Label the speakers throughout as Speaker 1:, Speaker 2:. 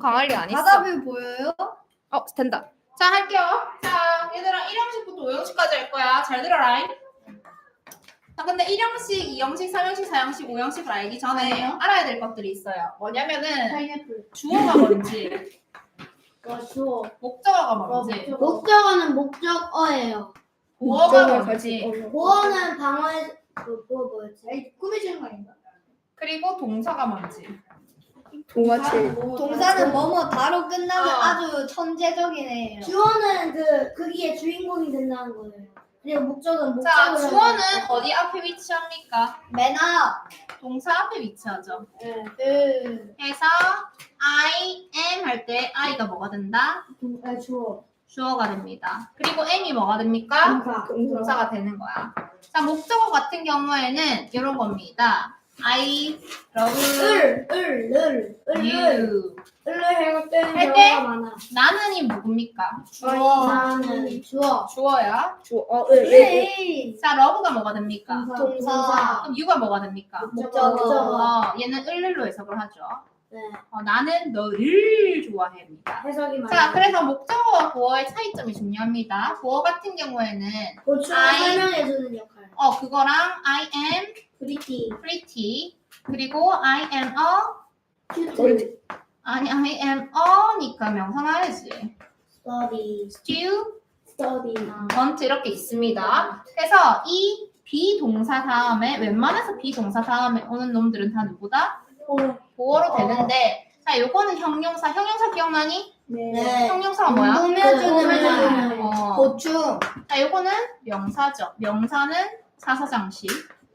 Speaker 1: 강할 리 안 있어.
Speaker 2: 바다뷰 보여요?
Speaker 1: 된다.
Speaker 3: 자, 할게요. 자, 얘들아 1형식부터 5형식까지 할 거야. 잘 들어라. 자, 근데 1형식, 2형식, 3형식, 4형식, 5형식을 알기 전에 알아야 될 것들이 있어요. 뭐냐면은
Speaker 2: 파인애플.
Speaker 3: 주어가 뭔지,
Speaker 2: 주어.
Speaker 3: 목적어가 뭔지,
Speaker 2: 목적어는 목적어예요.
Speaker 3: 보어가 뭔지,
Speaker 2: 보어는 방어의 보어 뭐였지? 꾸며주는 거 아닌가?
Speaker 3: 그리고 동사가 뭔지.
Speaker 1: 동화칠.
Speaker 2: 동사는 뭐뭐 바로 끝나는
Speaker 3: 어.
Speaker 2: 아주 천재적인 애예요. 주어는 거기에 주인공이 된다는 거예요. 그리고 목적은
Speaker 3: 자,
Speaker 2: 목적으로.
Speaker 3: 주어는 어디 앞에 위치합니까?
Speaker 2: 맨 앞.
Speaker 3: 동사 앞에 위치하죠.
Speaker 2: 네.
Speaker 3: 해서 I am 할 때 I가 뭐가 된다?
Speaker 2: 주어.
Speaker 3: 주어가 됩니다. 그리고 am이 뭐가 됩니까? 동사가 되는 거야. 자, 목적어 같은 경우에는 이런 겁니다. I love you.
Speaker 2: 해볼 때는
Speaker 3: 할 때?
Speaker 2: 경우가 많아.
Speaker 3: 나는이 누굽니까?
Speaker 2: 나는 주어.
Speaker 3: 주어야.
Speaker 2: 그래.
Speaker 3: 자, love가 뭐가 됩니까?
Speaker 2: 동사.
Speaker 3: 그럼 you가 뭐가 됩니까?
Speaker 2: 목적어.
Speaker 3: 얘는 을로 해석을 하죠.
Speaker 2: 네.
Speaker 3: 나는 너를 좋아해입니다.
Speaker 2: 해석이 많아.
Speaker 3: 자, 그래서 목적어와 보어의 차이점이 중요합니다. 보어 같은 경우에는
Speaker 2: 고추를
Speaker 3: I-
Speaker 2: 설명해주는 역할.
Speaker 3: 그거랑 I am pretty 그리고 I am
Speaker 2: 큐트.
Speaker 3: I am a니까 명사나야지.
Speaker 2: study.
Speaker 3: want 이렇게 있습니다. 그래서 이 비동사 다음에 웬만해서 비동사 다음에 오는 놈들은 다 누구다? 보어로 되는데 자, 요거는 형용사 기억나니?
Speaker 2: 네.
Speaker 3: 형용사가 뭐야?
Speaker 2: 꾸며주는
Speaker 3: 어.
Speaker 2: 고추.
Speaker 3: 자, 요거는 명사죠. 명사는 사사장식.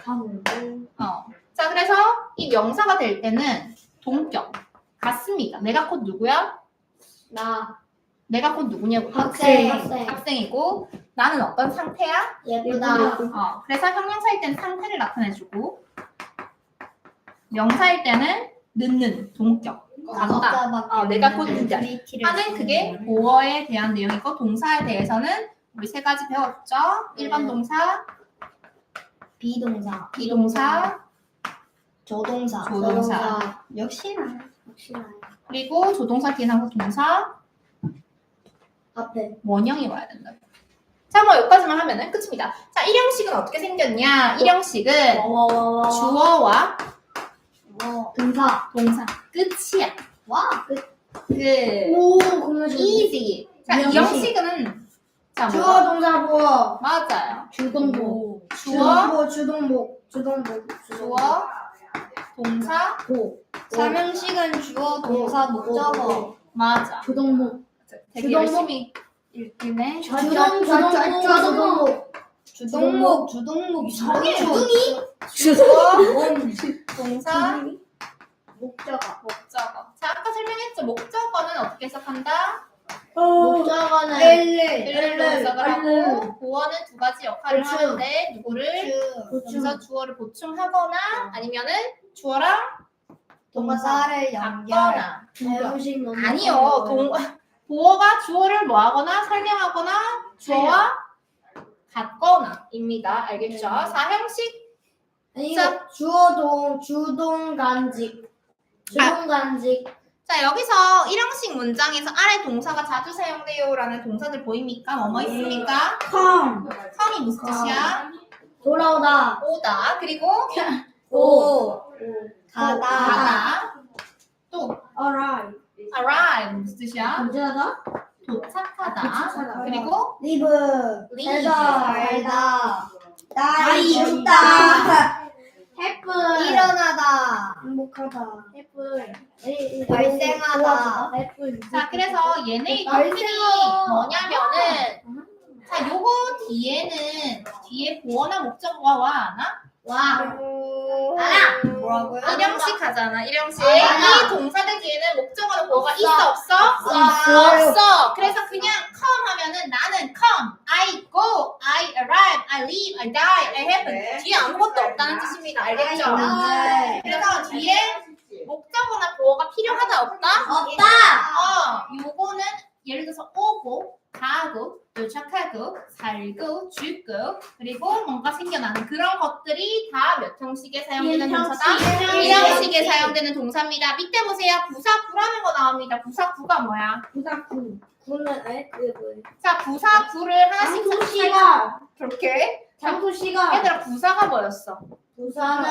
Speaker 3: 자, 그래서 이 명사가 될 때는 동격 같습니다. 내가 곧 누구야? 내가 곧 누구냐고.
Speaker 2: 학생.
Speaker 3: 학생이고 나는 어떤 상태야?
Speaker 2: 예쁘다.
Speaker 3: 그래서 형용사일 때는 상태를 나타내주고 명사일 때는 늦는 동격. 간다. 내가 곧 누구야? 하는 그게 보어에 대한 내용이고 동사에 대해서는 우리 세 가지 배웠죠? 일반 동사,
Speaker 2: 비동사.
Speaker 3: 비동사,
Speaker 2: 조동사. 역시나.
Speaker 3: 그리고 조동사 뒤에 항상 동사,
Speaker 2: 앞에.
Speaker 3: 원형이 와야 된다. 자, 뭐 여기까지만 하면은 끝입니다. 자, 1형식은 어떻게 생겼냐? 1형식은 주어와
Speaker 2: 동사.
Speaker 3: 동사 끝이야.
Speaker 2: 공유주.
Speaker 3: easy. 자,
Speaker 2: 이
Speaker 3: 2형식은 자,
Speaker 2: 주어, 동사, 보어.
Speaker 3: 맞아요.
Speaker 2: 주동복.
Speaker 3: 주어,
Speaker 2: 주동복.
Speaker 3: 주어, 동사,
Speaker 2: 보. 3형식은 주어, 동사, 목적어.
Speaker 3: 맞아.
Speaker 2: 주동복.
Speaker 3: 되게
Speaker 2: 주동복.
Speaker 3: 열심히 읽기네.
Speaker 2: 주동목.
Speaker 3: 이상해.
Speaker 2: 주어,
Speaker 3: 동사,
Speaker 2: 목적어.
Speaker 3: 목적어. 자, 아까 설명했죠. 목적어는 어떻게 해석한다?
Speaker 2: 목적어는
Speaker 3: 일로 해석을 하고 보어는 두 가지 역할을
Speaker 2: 보충.
Speaker 3: 하는데 누구를 여기서 주어를 보충하거나 아니면은 주어랑
Speaker 2: 동사를
Speaker 3: 바꿔나. 아니요.
Speaker 2: 아니요.
Speaker 3: 보어가 주어를 뭐하거나 설명하거나 주어와 같거나입니다. 알겠죠? 4형식
Speaker 2: 이거 주어동 주동간직.
Speaker 3: 자, 여기서 1형식 문장에서 아래 동사가 자주 사용돼요라는 동사들 보입니까? 뭐뭐 있습니까? 컴이 무슨 뜻이야?
Speaker 2: 돌아오다.
Speaker 3: 오다. 그리고
Speaker 2: 가다.
Speaker 3: 또
Speaker 2: arrive.
Speaker 3: arrive 무슨 뜻이야?
Speaker 2: 언제하다?
Speaker 3: 도착하다. 그리고
Speaker 2: live.
Speaker 3: leave.
Speaker 2: 살다. die. 죽다. happen. 일어나다. 행복하다. happen. 발생하다.
Speaker 3: 자, 그래서 얘네의
Speaker 2: 발생어.
Speaker 3: 특징이 뭐냐면은 자, 요거 뒤에 보어나 목적어가 와, 안 와?
Speaker 2: 뭐라고요?
Speaker 3: 1형식 하잖아, 1형식.
Speaker 2: 아.
Speaker 3: 이 동사들 뒤에는 목적어나 보어가 있어, 없어?
Speaker 2: 없어요.
Speaker 3: 없어. 그래서 그냥 come 하면은 나는 come, I go, I arrive, I leave, I die, I happen. 뒤에 아무것도 없다는 뜻입니다. 알겠죠?
Speaker 2: 네.
Speaker 3: 그래서 뒤에 목적어나 보어가 필요하다, 없다?
Speaker 2: 없다.
Speaker 3: 요거는 예를 들어서 오고, 가고, 또 착하고 살고 죽고 그리고 뭔가 생겨나는 그런 것들이 다 몇 형식에 사용되는 동사다? 1형식에 사용되는 동사입니다. 밑에 보세요. 부사구라는 거 나옵니다. 부사구가 뭐야?
Speaker 2: 부사구. 구는 그게 뭐예요?
Speaker 3: 자, 부사구를 하나씩
Speaker 2: 장소씨가
Speaker 3: 그렇게.
Speaker 2: 장소씨가
Speaker 3: 얘들아, 부사가 뭐였어?
Speaker 2: 부사는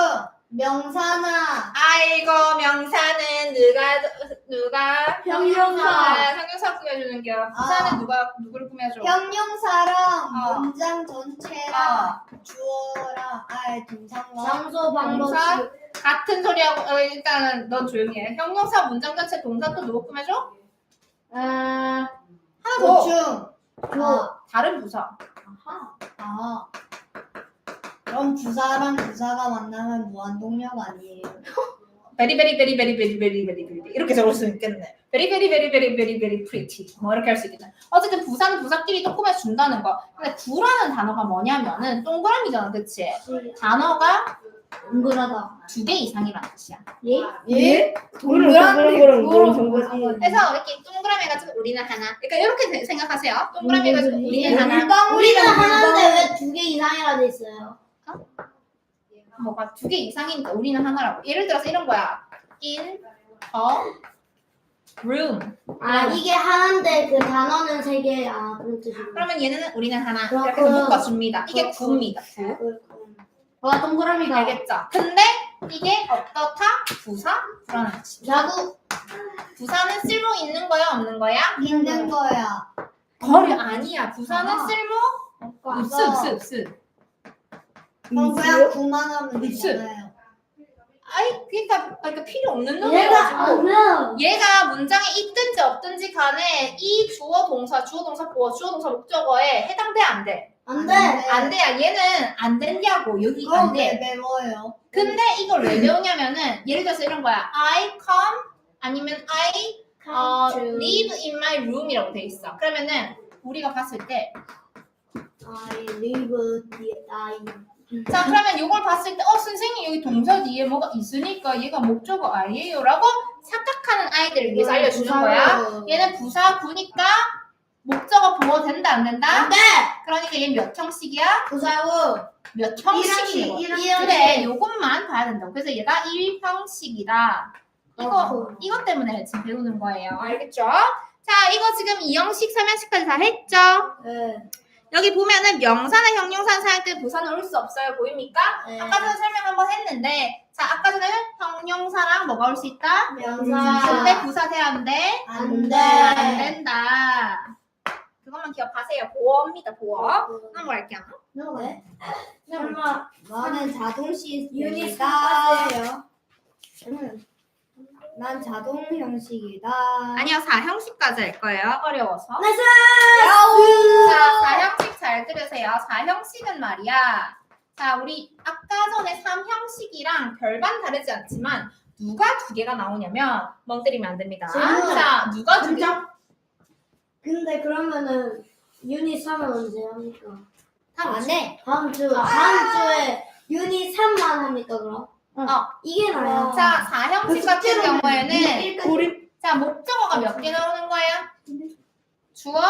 Speaker 2: 명사나
Speaker 3: 아이고, 명사는 누가
Speaker 2: 형용사.
Speaker 3: 형용사 꾸며주는 게 부사는 누구를 꾸며줘?
Speaker 4: 형용사랑 문장 전체랑
Speaker 3: 어.
Speaker 4: 주어랑 동사과
Speaker 2: 장소 방법
Speaker 3: 동사? 같은 소리하고 일단은 넌 조용히 해. 형용사 문장 전체 동사 또 누구 꾸며줘? 하나 더.
Speaker 4: 보충.
Speaker 3: 다른 부사.
Speaker 4: 아. 그럼 부사랑 부사가 만나면 무한동력 아니에요?
Speaker 3: very very very very very very very very 이렇게 적을 수 있겠네. very very very very very very pretty 뭐 이렇게 할 수 있겠네. 어쨌든 부사는 부사끼리 또 꾸며준다는 거. 근데 구라는 단어가 뭐냐면은 동그라미잖아, 그치? 단어가
Speaker 2: 동그라다.
Speaker 3: 2개 이상이라는 뜻이야.
Speaker 4: 예?
Speaker 1: 그거랑 뭔 상관이?
Speaker 3: 그래서 이렇게 동그라미 해가지고 우리는 하나. 그러니까 이렇게 생각하세요. 동그라미 해가지고 우리는 하나.
Speaker 2: 우리는 하나인데 왜 2개 이상이라 돼 있어요?
Speaker 3: 뭐가 2개 이상이니까 우리는 하나라고. 예를 들어서 이런 거야. in a room.
Speaker 2: 이게 하나인데 그 단어는 3개. 그런 뜻이구나.
Speaker 3: 그러면 얘는 우리는 하나. 이렇게
Speaker 2: 그렇구나.
Speaker 3: 묶어줍니다. 이게 구입니다. 구.
Speaker 2: 동그라미가.
Speaker 3: 알겠죠? 근데 이게 어떻다? 부사? 불안한 뜻이.
Speaker 2: 자구.
Speaker 3: 부사는 쓸모 있는 거야? 없는 거야?
Speaker 4: 있는 거야.
Speaker 3: 거리 아니야. 부사는
Speaker 4: 아.
Speaker 3: 쓸모?
Speaker 4: 없어.
Speaker 3: 없어.
Speaker 4: 그럼 그냥 구만하면
Speaker 3: 있어.
Speaker 4: 되잖아요.
Speaker 3: 그러니까 필요 없는
Speaker 2: 얘가
Speaker 3: 놈이어가지고 얘가 문장에 있든지 없든지 간에 이 주어 동사 보어 주어 동사 목적어에 해당돼 안 돼?
Speaker 2: 안 돼.
Speaker 3: 안 돼야 얘는 안 된다고 여기 안
Speaker 4: 그럼 왜
Speaker 3: 돼.
Speaker 4: 배워요?
Speaker 3: 근데 이걸 왜 배우냐면은 예를 들어서 이런 거야. I come 아니면 I live in my room이라고 돼 있어. 그러면은 우리가 봤을 때
Speaker 2: I live the I.
Speaker 3: 자 그러면 이걸 봤을 때 선생님 여기 동사 뒤에 뭐가 있으니까 얘가 목적어 I예요 라고 착각하는 아이들을 위해서 알려주는 거야. 얘는 부사구니까 목적어 보호 된다 안 된다?
Speaker 2: 안 돼.
Speaker 3: 그러니까 얘 몇 형식이야?
Speaker 2: 부사구.
Speaker 3: 몇 형식이야? 그래 요것만 봐야 된다고. 그래서 얘가 1형식이다. 이것 때문에 지금 배우는 거예요. 알겠죠? 자 이거 지금 2형식 3형식까지 다 했죠?
Speaker 2: 네.
Speaker 3: 여기 보면은 명사나 형용사 사용할 때 부사는 올 수 없어요. 보입니까?
Speaker 2: 네.
Speaker 3: 아까 전에 설명 한번 했는데 자 아까 전에 형용사랑 뭐가 올 수 있다?
Speaker 2: 명사.
Speaker 3: 근데 부사 돼야 안 돼?
Speaker 2: 안 돼.
Speaker 3: 안 된다. 그것만 기억하세요. 보어입니다. 보어. 넘어갈게요.
Speaker 2: 왜? 설마
Speaker 4: 나는 자동
Speaker 2: 유닛
Speaker 4: 시스템이다.
Speaker 2: 사과세요.
Speaker 4: 난 자동 형식이다.
Speaker 3: 아니요. 4형식까지 할 거예요. 어려워서.
Speaker 2: 나이스!
Speaker 3: 자 4형식 잘 들으세요. 4형식은 말이야. 자 우리 아까 전에 3형식이랑 별반 다르지 않지만 누가 2개가 나오냐면 멍 때리면 안 됩니다.
Speaker 2: 질문.
Speaker 3: 자 누가 2개?
Speaker 2: 근데 그러면은 유닛 3은 언제 합니까?
Speaker 4: 안 해.
Speaker 2: 다음 주에 유닛 3만 합니까 그럼? 이게 나야.
Speaker 3: 자 4형식 같은 경우에는
Speaker 1: 고립
Speaker 3: 자 목적어가 몇 개 나오는 거야? 주어,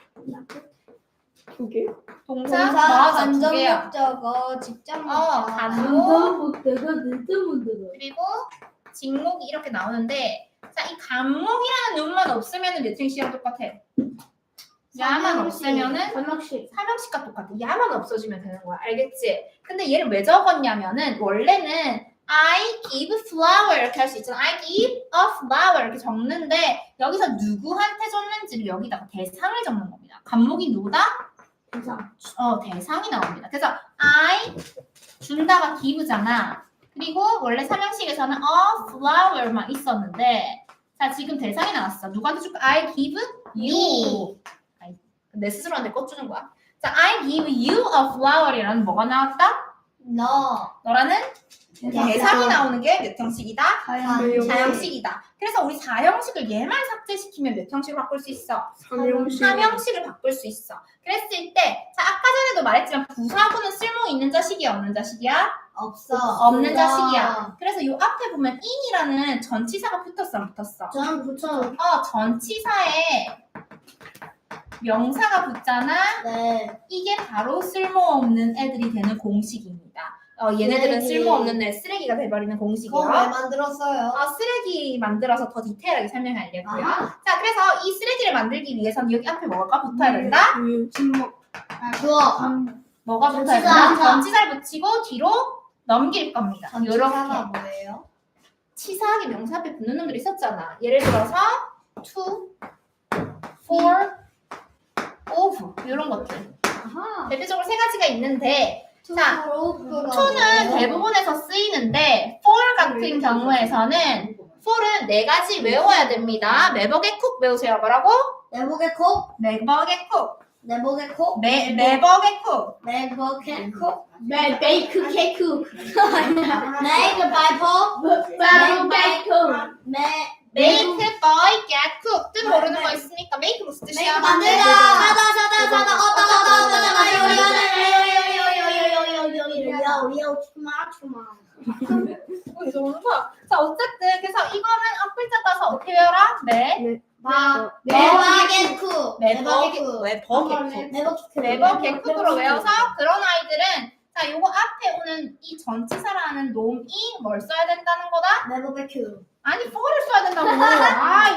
Speaker 1: 2개?
Speaker 3: 동사,
Speaker 4: 동사,
Speaker 3: 맞아, 두
Speaker 4: 간접
Speaker 3: 개야.
Speaker 4: 목적어, 직접 목적어.
Speaker 3: 간목
Speaker 2: 목대가 진짜 문제다.
Speaker 3: 그리고 직목이 이렇게 나오는데 자 이 간목이라는 놈만 없으면 몇 형식이랑 똑같아? 야만 없으면은 3형식과 똑같아. 야만 없어지면 되는 거야. 알겠지? 근데 얘를 왜 적었냐면은 원래는 I give flower 이렇게 할 수 있잖아. I give a flower 이렇게 적는데 여기서 누구한테 줬는지를 여기다가 대상을 적는 겁니다. 간목이 누구다? 대상이 나옵니다. 그래서 I 준다가 give잖아. 그리고 원래 3형식에서는 a flower만 있었는데 자 지금 대상이 나왔어. 누구한테 줄까? I give you. 내 스스로한테 꽂주는 거야. 자, I give you a flower이라는 뭐가 나왔다? 너라는 대상이 나오는 게 몇 형식이다? 4형식이다. 그래서 우리 4형식을 얘만 삭제시키면 몇 형식을 바꿀 수 있어? 3형식을 바꿀 수 있어. 그랬을 때, 자, 아까 전에도 말했지만 부사구는 쓸모 있는 자식이야, 없는 자식이야? 없는 자식이야. 그래서 요 앞에 보면 in이라는 전치사가 붙었어, 안 붙었어?
Speaker 2: 저는 붙여.
Speaker 3: 전치사에 명사가 붙잖아.
Speaker 2: 네.
Speaker 3: 이게 바로 쓸모없는 애들이 되는 공식입니다. 얘네들은
Speaker 2: 쓰레기.
Speaker 3: 쓸모없는 애, 쓰레기가 돼버리는 공식이요.
Speaker 4: 그거 왜 만들었어요?
Speaker 3: 쓰레기 만들어서 더 디테일하게 설명하려고요.
Speaker 2: 아하.
Speaker 3: 자, 그래서 이 쓰레기를 만들기 위해서는 여기 앞에 뭐가 붙어야 된다?
Speaker 2: 주어.
Speaker 3: 뭐가 붙어야
Speaker 2: 전치사.
Speaker 3: 된다? 전치사를 붙이고 뒤로 넘길 겁니다.
Speaker 4: 전치사가
Speaker 3: 요렇게.
Speaker 4: 뭐예요?
Speaker 3: 치사하게 명사 앞에 붙는 놈들이 있었잖아. 예를 들어서 to, for, of 이런 것들.
Speaker 4: 아하.
Speaker 3: 대표적으로 세 가지가 있는데 자,
Speaker 4: to는
Speaker 3: to는 대부분에서 쓰이는데 for 같은 경우에서는 for은 네 가지 외워야 됩니다. 매벅의 쿡 외우세요. 뭐라고?
Speaker 2: 내복의 콕.
Speaker 3: 매벅의 쿡.
Speaker 2: 내복의 콕.
Speaker 3: 매벅의 쿡.
Speaker 2: 내복의 콕.
Speaker 1: 베이크 케이크.
Speaker 2: 메이크 바이퍼.
Speaker 1: 베이크.
Speaker 3: Make by get cook. 뜻 모르는 거 있으니까 make 무슨 뜻이야?
Speaker 2: 만들다. 사다.
Speaker 3: 자, 어쨌든 그래서 이거는 앞글자 따서 어떻게 외워라?
Speaker 2: 매복의 쿡.
Speaker 3: 매벅의 쿡으로 외워서 그런 아이들은 자, 요거 앞에 오는 이 전치사라는 놈이 뭘 써야 된다는 거다?
Speaker 2: 매복의 쿡.
Speaker 3: 아니, for를 써야 된다고. 아이,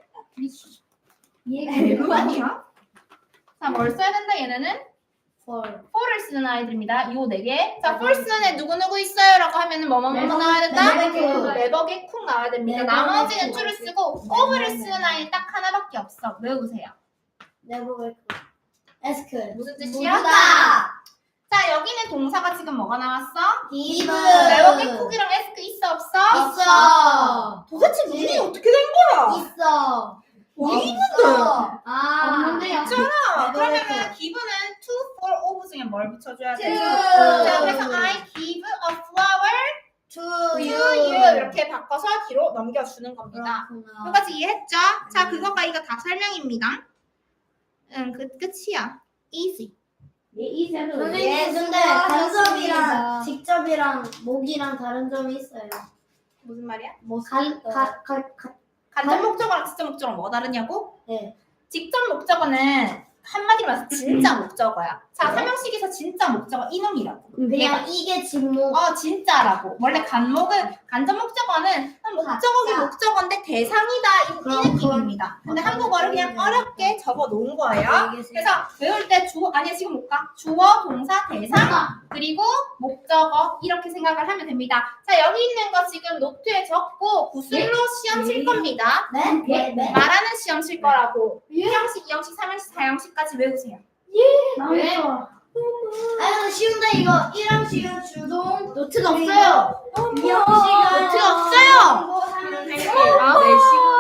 Speaker 3: 이해가 아니야? 자, 뭘 써야 된다 얘네는? for를 쓰는 아이들입니다. 요 네 개. 자, for 쓰는 애 누구누구 있어요? 라고 하면은 뭐뭐 나와야 된다? 매벅의 쿡 나와야 됩니다. 나머지는 to를 쓰고 of를 쓰는 아이는 딱 하나밖에 없어. 외우세요.
Speaker 2: 내복의 쿡. 에스크.
Speaker 3: 무슨 뜻이야? 자, 여기는 동사가 지금 뭐가 나왔어?
Speaker 2: 기브.
Speaker 3: 매벅의 쿡이랑 에스크 있어 없어?
Speaker 2: 있어.
Speaker 3: 도대체 문이 어떻게 된 거야?
Speaker 2: 있어.
Speaker 3: 어디
Speaker 2: 있어.
Speaker 4: 없는데요.
Speaker 3: 있잖아.
Speaker 2: 매벅의
Speaker 3: 그러면은 give는 to, for, of 중에 뭘 붙여줘야 돼?
Speaker 2: to.
Speaker 3: 자, 그래서 I give a flower
Speaker 2: To
Speaker 3: to
Speaker 2: you.
Speaker 3: you 이렇게 바꿔서 뒤로 넘겨주는 겁니다.
Speaker 2: 그렇구나.
Speaker 3: 여기까지 이해했죠? 자, 그거가 이거 다 설명입니다. 끝이야. Easy.
Speaker 2: 선생님 근데 간접이랑 직접이랑 목이랑 다른 점이 있어요.
Speaker 3: 무슨 말이야? 간접 목적어랑 직접 목적어랑 뭐가 다르냐고?
Speaker 2: 네.
Speaker 3: 직접 목적어는 한마디로 말해서 진짜 목적어야. 자, 삼형식에서 진짜 목적어 이놈이라고.
Speaker 2: 그냥 이게 직목.
Speaker 3: 진짜라고. 원래 간접 목적어는 목적어긴 목적어인데 대상이다 이 느낌입니다. 근데 한국어를 그냥 어렵게 적어 놓은 거예요. 그래서 외울 때 지금 못 가. 주어, 동사, 대상, 그리고 목적어 이렇게 생각을 하면 됩니다. 자, 여기 있는 거 지금 노트에 적고 구슬로 시험 칠 겁니다.
Speaker 2: 네?
Speaker 3: 말하는 시험 칠 거라고. 1형식, 2형식, 3형식, 4형식까지 외우세요.
Speaker 2: 왜? 아니 쉬운데 이거 1형식은 주동
Speaker 1: 노트가 없어요.
Speaker 2: 2형식은
Speaker 3: 노트가 없어요.
Speaker 2: 네.
Speaker 3: 아,